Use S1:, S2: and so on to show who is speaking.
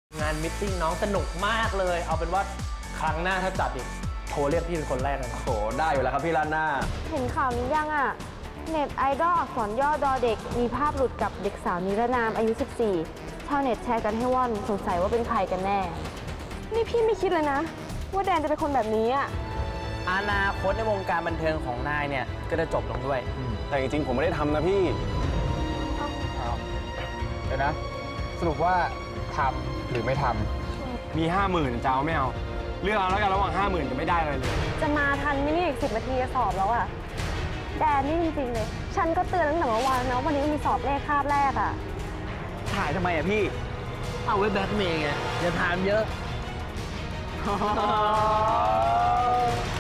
S1: งานมิทติ้งน้องสนุกมากเลยเอาเป็นว่าครั้งหน้าถ้าจัดอีกโทรเรียกพี่เป็นคนแรกเลย
S2: โอ้โหได้อยู่แล้วครับพี่ล้านหน้า
S3: เห็นข่าวนี้ยังอ่ะเน็ตไอดอลอักษรย่อดอเด็กมีภาพหลุดกับเด็กสาวนิรนามอายุ 14ชาวเน็ตแชร์กันให้ว่อนสงสัยว่าเป็นใครกันแน่นี่พี่ไม่คิดเลยนะว่าแดนจะเป็นคนแบบนี้อ่ะ
S4: อนาคตในวงการบันเทิงของนายเนี่ยก็จะจบลงด้วย
S2: แต่จริงๆผมไม่ได้ทำนะพี่เดี๋ยวนะสรุปว่าทำหรือไม่ทำมี 50,000จะเอาไม่เอาเลือกเอาแล้วกันระหว่าง 50,000 จะไม่ได้อะไรเลย
S3: จะมาทันไหมนี่อีก10 นาทีจะสอบแล้วอ่ะแดนนี่จริงๆเลยฉันก็เตือนตั้งแต่เมื่อวานนะวันนี้มีสอบเลขคาบแรกอ่ะ
S2: ถ่ายทำไมอะพี่
S1: เอาไว้แบล็คเมย์ไงอย่าถามเยอะ